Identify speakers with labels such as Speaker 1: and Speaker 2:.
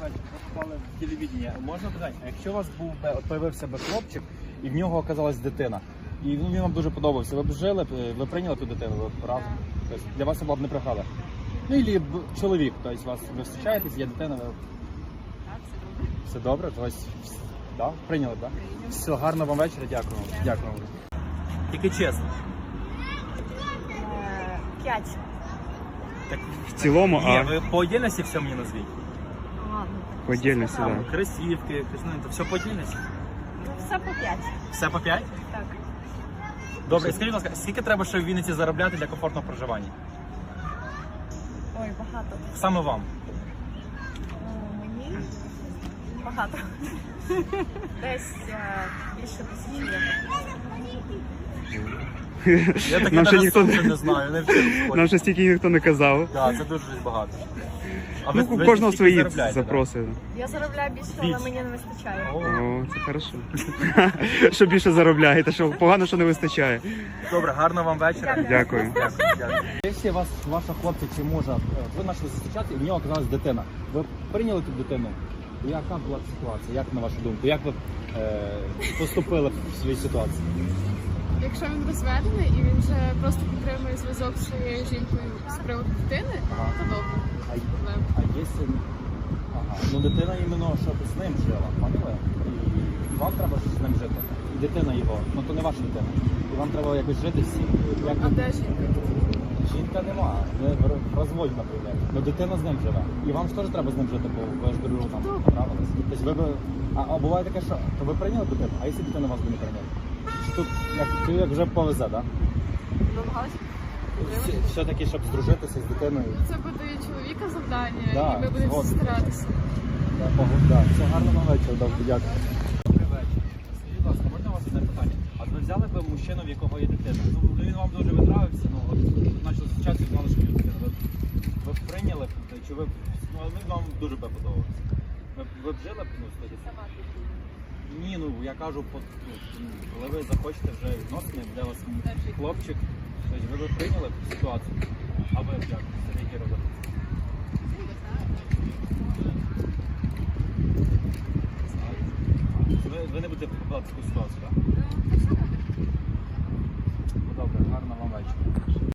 Speaker 1: вечір. Ви попали в телевідення. Можна питати, а якщо у вас був би, от появився би хлопчик, і в нього оказалась дитина, і він вам дуже подобався, ви б жили, ви прийняли ту дитину, ви разом? Тобто для вас це була б не преграда? Ну, і чоловік, тобто вас, ви зустрічаєтесь, є дитина, ви...
Speaker 2: Так, все добре.
Speaker 1: Все добре? Тобто, да? Прийняли, так? Да? Все, гарного вам вечора, дякую. Дякую. Тільки чесно.
Speaker 2: 5.
Speaker 1: Так,
Speaker 3: В цілому,
Speaker 1: ні, ви по отдельності все мені назвіть.
Speaker 2: Ладно.
Speaker 3: по отдельности,
Speaker 1: Там,
Speaker 3: да.
Speaker 1: кросівки, ну, це все по отдельності?
Speaker 2: Ну, все по 5.
Speaker 1: Все по 5?
Speaker 2: Так.
Speaker 1: Добре, скажіть, будь ласка, скільки треба ще в Вінниці заробляти для комфортного проживання?
Speaker 2: Ой, багато.
Speaker 1: Саме вам?
Speaker 2: Мені багато. Десь більше 1000 євро.
Speaker 1: Я таке
Speaker 3: Нам ще
Speaker 1: навіть
Speaker 3: ніхто
Speaker 1: сам ще не знаю, не вчив.
Speaker 3: Нам ще стільки ніхто не казав.
Speaker 1: Так, це дуже багато. А
Speaker 3: Ну,
Speaker 1: ви
Speaker 3: у кожного
Speaker 1: скільки
Speaker 3: свої
Speaker 1: заробляєте,
Speaker 3: запроси.
Speaker 2: Я заробляю більше, але мені не вистачає.
Speaker 1: О,
Speaker 3: О, це хорошо. Що більше заробляєте, що погано, що не вистачає.
Speaker 1: добре, гарного вам вечора.
Speaker 3: Дякую.
Speaker 1: Якщо вас, ваша хлопця чи мужа, ви почали зустрічати, і в нього оказалась дитина. Ви прийняли ту дитину? Яка була ситуація? Як на вашу думку? Як ви поступили в своїй ситуації?
Speaker 4: Якщо він розведений і він вже просто підтримує зв'язок з своєю жінкою з приводу дитини,
Speaker 1: Ага.
Speaker 4: то добре.
Speaker 1: А,
Speaker 4: Проблем.
Speaker 1: а якщо... Ага. Ну дитина іменно, щоб з ним жила, поняли? І вам треба з ним жити. І дитина його, ну то не ваша дитина. І вам треба якось жити всі. Як
Speaker 4: А де жінка?
Speaker 1: жінка нема, ви в розводі, наприклад. Ну дитина з ним живе. І вам ж теж треба з ним жити, бо ви ж дружу там понравились. Тобто ви б... А буває таке, що то ви прийняли дитину, а якщо дитина вас би не прийняла? Чи тут як вже повезе, так? Да?
Speaker 4: Намагалися?
Speaker 1: Все-таки, щоб здружитися з дитиною.
Speaker 4: Це буде і чоловіка завдання,
Speaker 1: Да,
Speaker 4: і ви будете
Speaker 1: згоден.
Speaker 4: старатися.
Speaker 1: Да, все, гарного вечора, добре, дякую. Добрий вечір. Скажіть, будь ласка, можна у вас одне питання? А ви взяли б мужчину, в якого є дитина? Ну, він вам дуже витравився, ну, от, почали зустрічатися, знали, що є дитина. Ви б прийняли, чи ви б, ну, він вам дуже б подобався? Ви б жили б, ну, з тоді? Ні, ну, я кажу, ну, коли ви захочете вже відносини, де у вас хлопчик, тобто ви б прийняли б ситуацію? А ви б як? Які робите? Ви не будете попадати в таку ситуацію, так?